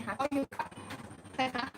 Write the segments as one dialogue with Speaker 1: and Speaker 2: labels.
Speaker 1: นะคะก็อยู่กับใครคะ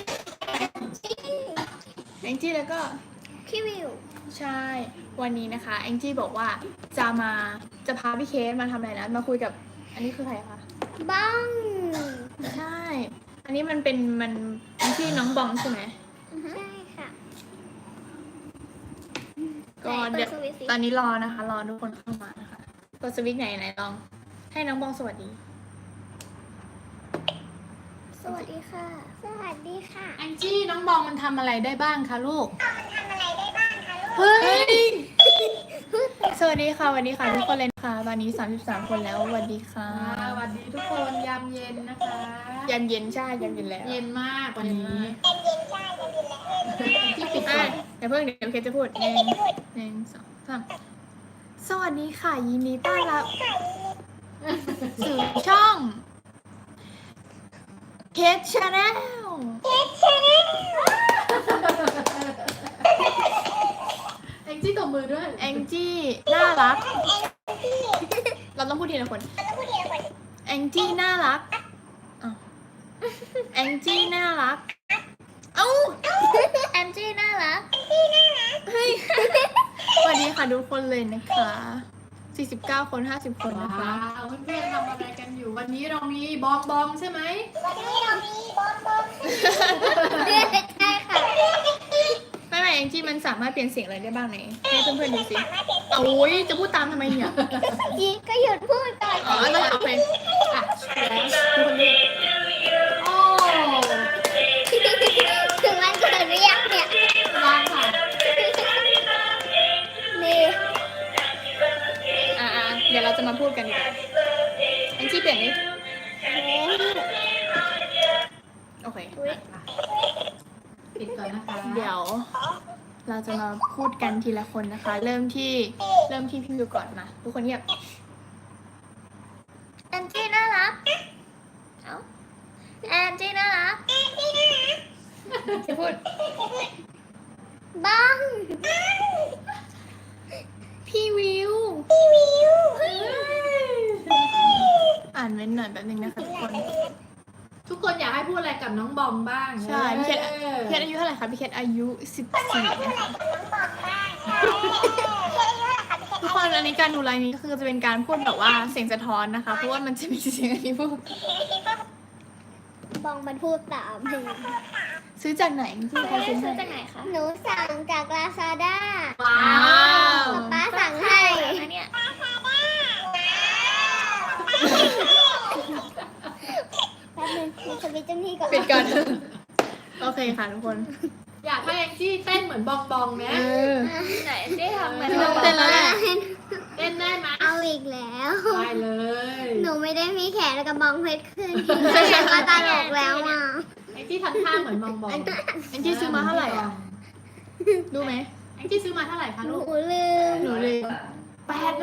Speaker 1: แองจี้แล้วก็
Speaker 2: พี่วิว
Speaker 1: ใช่วันนี้นะคะแองจี้บอกว่าจะพาพี่เคสมาทำอะไรนะมาคุยกับอันนี้คือใครคะ
Speaker 2: บ้อง
Speaker 1: ใช่ อันนี้มันชื่อน้องบองใช่ไหม
Speaker 2: ใช่ค่ะ
Speaker 1: ก็เดี๋ยว
Speaker 2: ไหนเปิดสวิตช์สิ
Speaker 1: ตอนนี้รอนะคะ รอทุกคนเข้ามานะคะกดสวิตช์ไหนลอง ให้น้องบองสวัสดี
Speaker 2: สวัสดีค่ะ สวัสดีค่ะ
Speaker 3: แองจี้น้องบองมันทำอะไรได้บ้างคะลูก
Speaker 1: เฮ้ย สวัสดีค่ะสวัสดีค่ะทุกคนเลยนะคะตอนนี้33คนแล้วสวัสดีค่ะ
Speaker 3: สวัสดีทุกคนยามเย็นนะคะ
Speaker 1: ยามเย็นใช่ยามเย็นแล้ว
Speaker 3: เย็นมากวันนี้ที่ปิดก่
Speaker 1: อ่ะ
Speaker 3: อน
Speaker 1: เดี๋ยวเคสจะพูดหนึ่งสองสามสวัสดีค่ะยินดีต้อนรับสู่ช่องเคสชาแนล
Speaker 3: แองจี้ตบมือด้วย
Speaker 1: แองจี้น่ารัก เราต้องพูดทีละคนแองจี้น่ารักอ้าวแองจี้น่ารักเอ้า
Speaker 2: แอนจี้น่ารัก
Speaker 1: เฮ้ยสวัสดีค่ะทุกคนเลยนะคะ49คน50คนนะคะ
Speaker 3: ว้าวเพื่อนๆทำอะไรกันอยู่วันนี้เรามีบองบองใช่ไหม
Speaker 2: ใช่ค่ะ
Speaker 1: ไม่แองจี้มันสามารถเปลี่ยนเสียงอะไรได้บ้างไหนให้เพื่อนๆดูสิโอ้ยจะพูดตามทำไมเนี่ย
Speaker 2: ก็หยุดพูดก่อน
Speaker 1: อ๋อต้องเอาไปอ่ะแล้วทุกคนดู
Speaker 3: โอ้
Speaker 2: ถึงวันเกิดหรือยังเนี่ย
Speaker 3: วางค่ะ
Speaker 2: นี่
Speaker 1: อ่ะเดี๋ยวเราจะมาพูดกันดีกว่าแองจี้เปลี่ยนดิโอเค
Speaker 3: ปิดก่อนนะคะ
Speaker 1: เดี๋ยวเราจะมาพูดกันทีละคนนะคะ เริ่มที่พี่วิวก่อนมาทุกคนเงียบ
Speaker 2: แอนจี้น่ารัก เอ้าแอนจี้น่ารัก
Speaker 1: จะพูด
Speaker 2: บ้อง
Speaker 1: พี่วิวอ่านเว้นหน่อยแป๊บนึงนะคะทุกคน
Speaker 3: ทุกคนอยากให้พูดอะไรกับน้องบองบ้าง
Speaker 1: ใช่พี่เคส
Speaker 3: ออ
Speaker 1: พี่เคสอายุเท่าไหร่คะพี่เคสอายุ14นะคะทุกคนอันนี้การดูไลน์นี้ก็คือจะเป็นการพูดแบบว่าเสียงสะท้อนนะคะ เพราะว่ามันจะมีเสียงอันนี้พูด
Speaker 2: บ้องมันพูดตามเพลง
Speaker 1: ซื้อจากไหนที่ใครซื้อ
Speaker 2: ซื้อ
Speaker 1: ให้
Speaker 2: จากไหนคะ หนูสั่งจากลาซาด้า
Speaker 3: ว้าว
Speaker 2: ป้าสั่งให้นะเนี่ย แป๊บนึงมีสวิตช์เจ้าหนี้ก่อน
Speaker 1: ปิดก่อนโอเคค่ะทุกคน
Speaker 3: อยากให้แองจี้เต้นเหมือนบองบองนะ
Speaker 2: ไหนได้ทำเหมือน
Speaker 1: พี่ต้องเต้นแล้วแหละ
Speaker 3: เต้นได้ไหม
Speaker 2: เอาอีกแล้ว
Speaker 3: ได้เลย
Speaker 2: หนูไม่ได้มีแขนกับบองเพชรขึ้นแขนก็ตลกแล้วอ่ะ
Speaker 3: แองจี้ทำท่าเหมือนบองบอง
Speaker 1: แองจี้ซื้อมาเท่าไหร่อ่ะรู้ไหม
Speaker 3: แองจี้ซื้อมาเท่าไหร่คะ
Speaker 2: หนู
Speaker 3: ลูก
Speaker 2: ลืม
Speaker 1: หนูเลย
Speaker 3: 800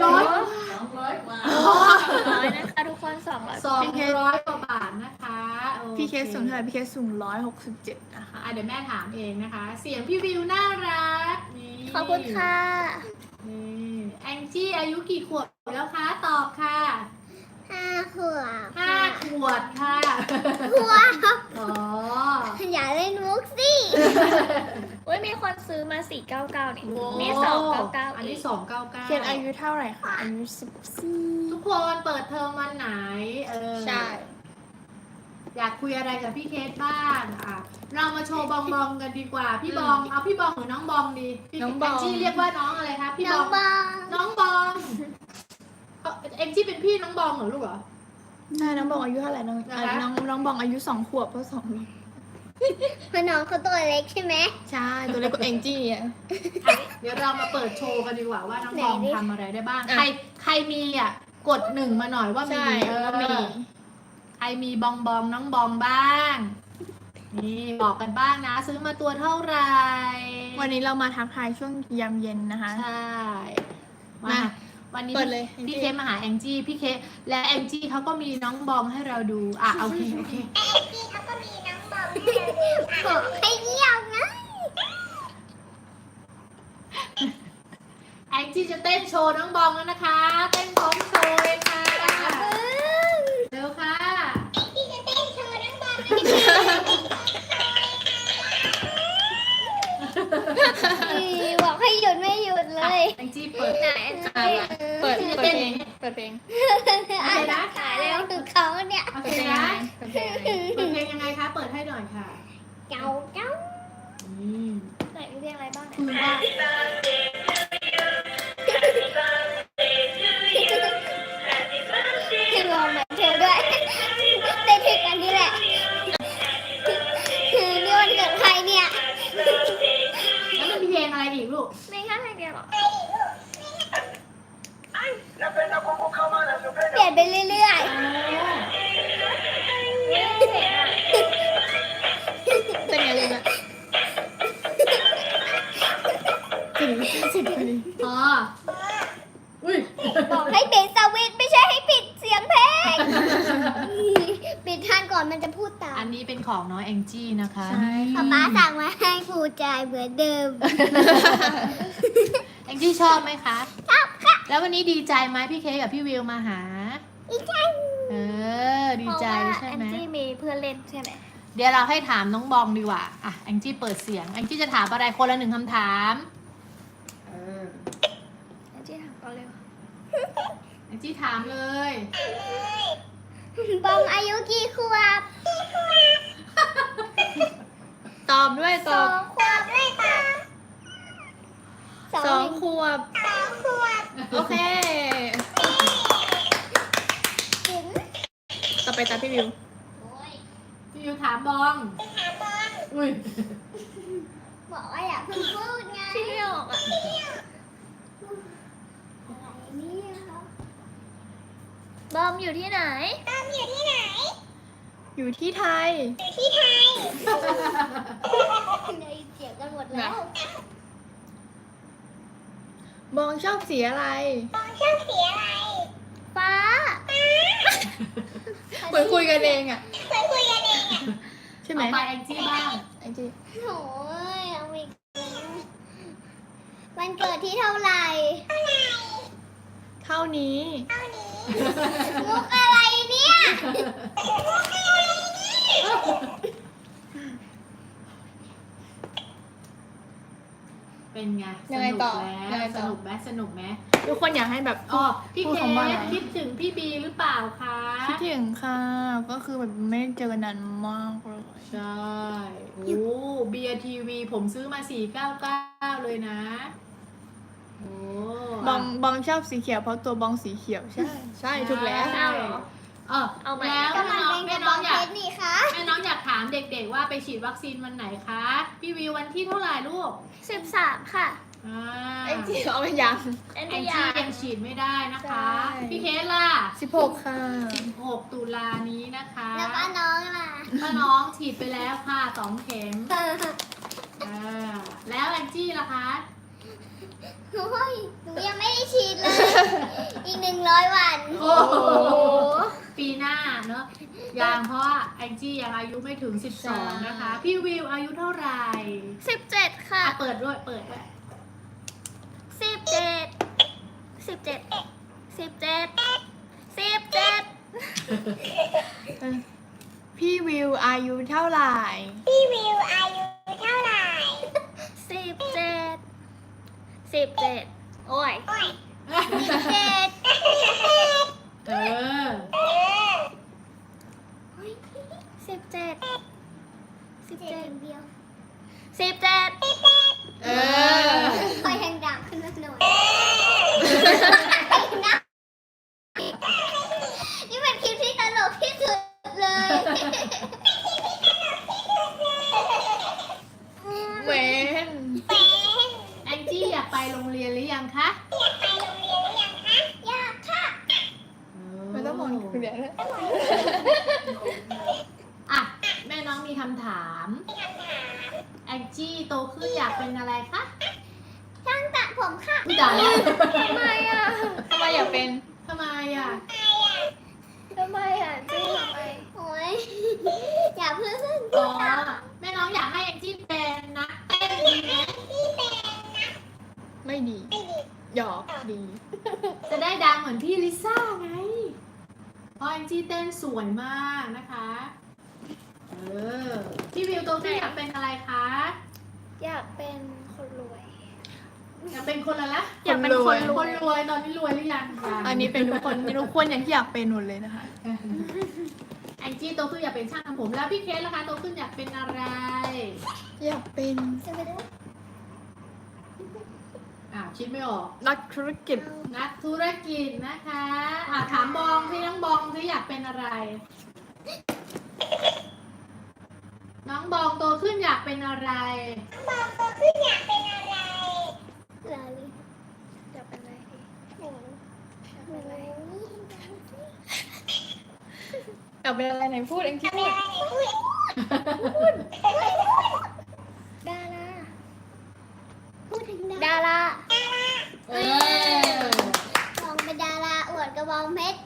Speaker 2: 200นะคะทุกคน200
Speaker 3: 200 กว่าบาทนะคะโอ
Speaker 1: พี่เคสสูงเท่าไหร่พี่เคสสูง167นะคะ
Speaker 3: เดี๋ยวแม่ถามเองนะคะ เสียงพี่วิวน่ารักนี่
Speaker 2: ขอบคุณค่ะ
Speaker 3: นี่แองจี้อายุกี่ขวบแล้วคะ ตอบค่ะ
Speaker 2: 5 ขวบ
Speaker 3: 5 ขวบค่ะ
Speaker 2: ขวบ
Speaker 3: อ๋อ
Speaker 2: อย่าเล่นมุกสิเว้ยมีคนซื้อมา499นี่นี่299
Speaker 3: อันนี้299
Speaker 1: เคสอายุเท่าไหร่คะอายุ14
Speaker 3: ทุกคนเปิดเทอมวันไหน
Speaker 1: ใช่
Speaker 3: อยากคุยอะไรกับพี่เคสบ้างอ่ะเรามาโชว์บองบองกันดีกว่า พี่บองเอาพี่บองหรือน้องบองดีพี่
Speaker 1: น้องบอง
Speaker 3: แจี้เรียกว่าน้องอะไรคะพี่
Speaker 2: น้
Speaker 3: บ
Speaker 2: อ
Speaker 3: อง ง
Speaker 2: บอง
Speaker 3: น้องบองเอ็มจี้เป็นพี่น้องบองเหรอลูกเหรอ
Speaker 1: ใช่น้องบองอายุเท่าไหร่น้อง
Speaker 3: นะคะ
Speaker 1: น้องบองอายุ2 ขวบเพราะ2
Speaker 2: เพราะน้องเขาตัวเล็กใช่ไหม
Speaker 1: ใช่ตัวเล็กกว่าแองจี้อ่ะ
Speaker 3: เดี๋ยวเรามาเปิดโชว์กันดีกว่าว่าน้องบอง
Speaker 2: ไหนดิ
Speaker 3: ทำอะไรได้บ้าง
Speaker 1: อ่ะ
Speaker 3: ใครมีอ่ะกด1มาหน่อยว่ามี
Speaker 1: ใช่ก็มี
Speaker 3: ใครมีบองบองน้องบองบ้างนี่บอกกันบ้างนะ ซื้อมาตัวเท่าไหร่
Speaker 1: วันนี้เรามาทักทายช่วงยามเย็นนะคะ
Speaker 3: ใช่
Speaker 1: มา
Speaker 3: วันนี้
Speaker 1: เปิดเลย
Speaker 3: พี่เคสมาหาแองจี้พี่เคสและแองจี้เขาก็มีน้องบองให้เราดูอ่ะโอเค
Speaker 2: บอกให้เงียบนะ
Speaker 3: แองจี้จะเต้นโชว์น้องบองแล้วนะคะ เต้นพร้อมโชว์เลยค่ะเร็วค่ะ
Speaker 2: พี่จะเต้นโชว์น้องบอบอกให้หยุดไม่หยุดเลย
Speaker 3: แองจี้เปิด
Speaker 2: ไหน
Speaker 1: เปิดเพลงเปิดเพลง
Speaker 2: อ่านขายแล้วถึงเขาเนี่ย
Speaker 3: โอเค
Speaker 1: เปิดเพลง
Speaker 3: นะ
Speaker 1: เปิดเพลง
Speaker 3: เปิดเพลงยังไงคะ เปิดให้หน่อยค่ะ
Speaker 2: เจ้าเจ้า
Speaker 3: อืม
Speaker 2: ไหนมีเพลงอะไรบ้างเนี่ย
Speaker 3: คือว่า
Speaker 2: ให้ลองเหมือนเธอด้วยได้ถึงกันนี่แหละคือนี่วันเกิดใครเนี่ย
Speaker 3: แล้วมันมีเพลงอะไรอีกลูก
Speaker 2: ไม่แค่เพลงเดียวหรอ
Speaker 4: La pena poco jamás la
Speaker 2: เปลี่ยนไปเรื่อย
Speaker 1: เป็นไงเลยนะถึงสิบพอดี
Speaker 3: อ๋อ อุ้ย
Speaker 2: ๆบอกให้ปิดสวิตช์ไม่ใช่ให้ปิดเสียงเพลงปิดท่านก่อนมันจะพูดตา
Speaker 3: อั
Speaker 2: ม
Speaker 3: นนี้เป็นของน้องแองจี้นะคะ
Speaker 1: ใช่
Speaker 2: ป๊าป๊าสั่งมาให้ผูกใจเหมือนเดิม
Speaker 3: แองจี้ชอบไหมคะ
Speaker 2: ชอบค่ะ
Speaker 3: แล้ววันนี้ดีใจไหมพี่เคกกับพี่วิวมาหา
Speaker 2: อีจัง
Speaker 3: ดีใจใช่ไหม
Speaker 2: แอนจี้มีเพื่อนเล่นใช่ไหม
Speaker 3: เดี๋ยวเราให้ถามน้องบองดีกว่า อ่ะ แองจี้เปิดเสียง แองจี้จะถามอะไรคนละหนึ่งคำถาม
Speaker 2: แอนจี้ถามก่อนเลย
Speaker 3: แองจี้ถามเลย
Speaker 2: บองอายุกี่ขวบ
Speaker 1: ตอบด้วยต
Speaker 2: ส
Speaker 1: อ
Speaker 2: อบ งขวบด้วยค่ะ
Speaker 1: สองขวบ
Speaker 2: ขวบ
Speaker 1: โอเค
Speaker 2: ถึง
Speaker 1: ต่อไปตามพี่วิว
Speaker 3: พี่วิวถามบอง อุ้ย
Speaker 2: บอกว่าอย่าเพิ่งพูดไง
Speaker 1: ที่ไม่ออกอ่ะ
Speaker 2: อะไรเนี่ยคะ
Speaker 1: บอมอยู่ที่ไหน
Speaker 2: ตามอยู่ที่ไหน
Speaker 1: อยู่ที่ไทย
Speaker 2: ที่ไทยได้ยินเสียงกันหมดแล้ว
Speaker 1: บองชอบสีอะไร
Speaker 2: ชอบสีอะไร ฟ้า
Speaker 1: เหมือนคุยกันเองอ่ะ
Speaker 2: เหมือนคุยกันเองอ่ะ
Speaker 1: ใช่ไหม
Speaker 3: ต่อไปแองจี้บ้าง
Speaker 1: ไอ้จี
Speaker 2: โอ้ยเอาอีกแล้ววันเกิดที่เท่าไหร่
Speaker 1: เท่านี้
Speaker 2: มุกอะไรเนี่ย
Speaker 3: เป็นไง
Speaker 1: ยังไงต่อ
Speaker 3: ส
Speaker 1: ยังไง
Speaker 3: นุ
Speaker 1: ต่อ
Speaker 3: กไหมสนุกไหม
Speaker 1: ทุกคนอยากให้แบบ
Speaker 3: อ๋อพี่
Speaker 1: พูด
Speaker 3: เค
Speaker 1: คำว่าอะไร
Speaker 3: กคิดถึงพี่บีหรือเปล่าคะ
Speaker 1: คิดถึงค่ะ ก็คือแบบไม่ได้เจอกันนานมากเลย
Speaker 3: ใช่ โอ้เบียร์ทีวีผมซื้อมา499เลยนะ โอ้
Speaker 1: บองชอบสีเขียวเพราะตัวบองสีเขียวใช่ ใช่ถูกแล้ว
Speaker 3: เอาเหรอเอาไหมแล้ว
Speaker 2: ก็มันเป็นก
Speaker 3: แม่
Speaker 2: ระบ
Speaker 3: น้
Speaker 2: อ
Speaker 3: อง ง
Speaker 2: เพ
Speaker 3: อยาก
Speaker 2: ชรนี่คะ
Speaker 3: แม่น้องอยากถามเด็กๆว่าไปฉีดวัคซีนวันไหนคะ พี่วิววันที่เท่าไหร่ลูก
Speaker 2: 13 ค่ะ
Speaker 3: อ่า
Speaker 1: ไอ้จีเอาไปยัง
Speaker 2: แอน
Speaker 3: แอง
Speaker 2: ดี้
Speaker 3: จี้ยังฉีดไม่ได้นะคะ
Speaker 1: ใช่
Speaker 3: พี่เคสล่ะ
Speaker 1: 16 ค่ะ
Speaker 3: 16 ตุลานี้นะคะ
Speaker 2: แล้วก็น้องล่ะ
Speaker 3: ก็น้องฉีดไปแล้วค่ะ2 เข็มแล้วแองจี้ล่ะคะ
Speaker 2: โอ้ยหนูยังไม่ได้ฉีดเลย อีก100 วัน
Speaker 3: โอ้โห ปีหน้าเนอะยังเพราะว่าแองจี้ยังอายุไม่ถึง 12 นะคะ พี่วิวอายุเท่าไหร่
Speaker 2: 17 ค่ะ
Speaker 3: อ่ะเปิดด้วยเปิดด้วย
Speaker 1: พี่วิวอายุเท่าไหร่
Speaker 2: พี่วิวอายุเท่าไหร่17 โอ้ย17
Speaker 3: เออ
Speaker 2: 17เดียว
Speaker 1: เออ
Speaker 2: คอยแทงดังขึ้นมาหน่อยนี่เป็นคลิปที่ตลกที่สุดเลย
Speaker 1: เวน
Speaker 3: แองจี้อยากไปโรงเรียนหรือยังคะ
Speaker 2: อยากค่ะ
Speaker 1: ไม่ต้องมองคุณเดี๋ยวนะ
Speaker 3: อ่ะแม่น้องมีคำถาม แองจี้โตขึ้นอยากเป็นอะไรคะ
Speaker 2: ช่างตัดผมค่ะ
Speaker 3: พี่จ๋า
Speaker 1: ทำไมอยากเป็น
Speaker 3: ทำไมอ่ะ
Speaker 2: จี้โอ้ยอย่าเพิ่ง
Speaker 3: อ๋อแม่น้องอยากให้แองจี้เป็นนักเต้นดีไหม
Speaker 1: ไม่ดี หยอกดี
Speaker 3: จะได้ดังเหมือนพี่ลิซ่าไง เพราะแองจี้เต้นสวยมากนะคะพี่วิวโตขึ้นอยากเป็นอะไรคะ
Speaker 2: อยากเป็นคนรวย
Speaker 3: อยากเป็นคนอะไรละ
Speaker 1: อยากเป็นคนร
Speaker 3: ค
Speaker 1: วย
Speaker 3: นรวยตอนนี้รวยหรือยัง
Speaker 1: อันนี้เป็นทุกคนอย่างที่อยากเป็นหมดเลยนะคะ
Speaker 3: แองจี้โตขึ้นอยากเป็นช่างทำผมแล้วพี่เคสล่ะคะโตขึ้นอยากเป็นอะไร
Speaker 1: อยากเป็น
Speaker 2: จะไปได้
Speaker 3: คิดไม่ออก
Speaker 1: นักธุรกิจ
Speaker 3: นักธุรกิจนะคะถามบองที่น้องบองที่อยากเป็นอะไร น้องบองโตขึ้นอยากเป็นอะไร
Speaker 2: ลาลิอยากเป็นอะไรดีอยากเป็นอะไร
Speaker 1: อยากเป็นอะไรไหนพูดเองที่พูด
Speaker 2: ดาราพูดถึงดารา
Speaker 3: เออ
Speaker 2: มองเป็นดาราอวดกระบองเพชร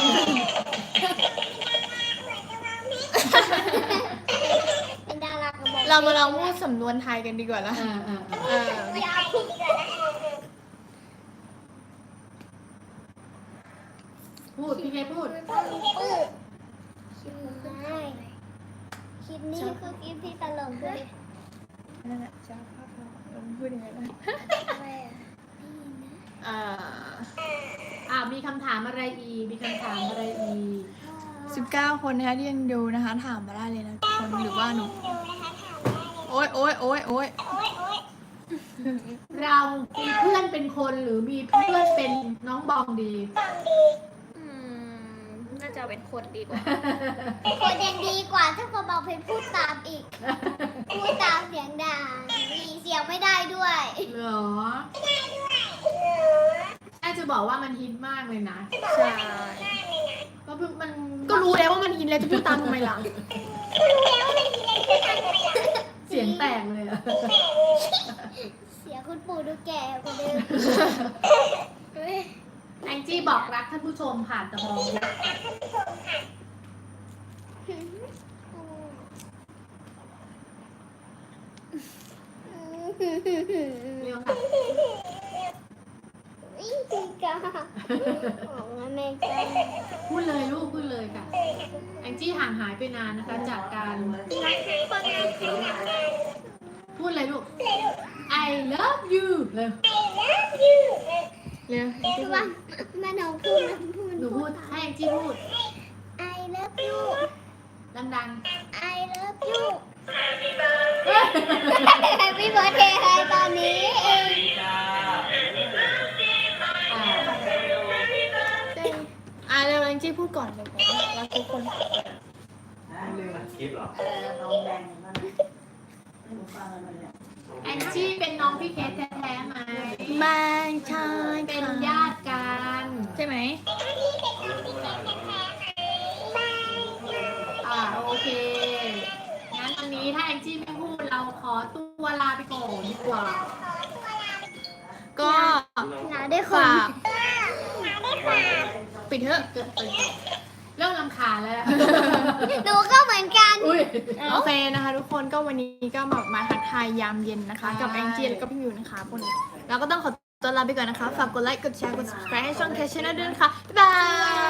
Speaker 2: เป็นดารากระบอง
Speaker 1: เรามาลองพูดสำนวนไทยกันดีกว่านะ
Speaker 3: เออ พูดพี่เคพูด
Speaker 2: คลิปนี้คือคลิปที่ตลกด้วย
Speaker 1: นั่นแหละจะภาพเราพูดยังไงนะ
Speaker 2: อะไรอ่ะ
Speaker 3: มีคำถามอะไรอีก มีคำถามอะไรอีก
Speaker 1: 19 คนนะคะที่ยังดูนะคะ ถามมาได้เลยนะทุกคนหรือว่าหนูโอ๊ย
Speaker 3: เรามีเพื่อนเป็นคนหรือมีเพื่อนเป็นน้องบองดี
Speaker 2: น่าจะเป็นคนดีกว่า คนยังดีกว่าถ้ากระบองเพชรพูดตามอีก พูดตามเสียงดังมีเสียงไม่ได้ด้วย
Speaker 3: เหรอแม่จะบอกว่ามันฮิตมากเลยนะ
Speaker 1: ใช่
Speaker 3: ก็เพิ่งมัน
Speaker 1: ก็รู้แล้วว่ามันฮินแล้วจะพูดตามทำไมล่ะ
Speaker 3: เสียงแตกเลยอะ
Speaker 2: เสียงคุณปู่ดูแก่กว่าเดิมเฮ้ย
Speaker 3: แองจี้บอกรักท่านผู้ชมผ่านตะบองเร็วค่ะ
Speaker 2: วิ่งตีกาของอเมริกา
Speaker 3: พูดเลยลูกพูดเลยค่ะ แองจี้ห่างหายไปนานนะคะ จากการพูดเลยลูก I love you เร็ว
Speaker 1: เร็ว
Speaker 2: คือว่าแม่น้องพูดนะพูด
Speaker 3: หนูพูดให้แองจี้พูด
Speaker 2: I love you
Speaker 3: ดัง
Speaker 2: I love you Happy birthday ให้ตอนนี้เอง
Speaker 3: ๆอ่า
Speaker 1: เร็วแองจี้พูดก่อนเลยบอกว่ารักทุกคน
Speaker 4: คลิปเหรอ
Speaker 3: แองจี้เป็นน้องพี่เคสแท้ๆไหม
Speaker 1: ไม่ใช่
Speaker 3: เป็นญาติกัน
Speaker 1: ใช่ไหม
Speaker 3: โอเค งั้นวันนี้ถ้าแองจี้ไม่พูดเราขอตัวลาไปก่อนดีกว่า
Speaker 1: ก็
Speaker 2: หนาได้ค
Speaker 1: ฝาน กปิดเถอะ
Speaker 3: เริ่มรำคาญแล้ว
Speaker 2: หนูก็เหมือนกัน
Speaker 3: อุ้ย
Speaker 1: โอเคนะคะทุกคนก็วันนี้ก็มาทักทายยามเย็นนะคะ กับ
Speaker 3: ใช่
Speaker 1: แองจี้แล้วก็พี่มิวนะคะวันนี้เราก็ต้องขอตัวลาไปก่อนนะคะ ฝากกดไลค์กดแชร์กด subscribe ให้ช่องแคชช n นลด้วยนะคะบ๊ายบาย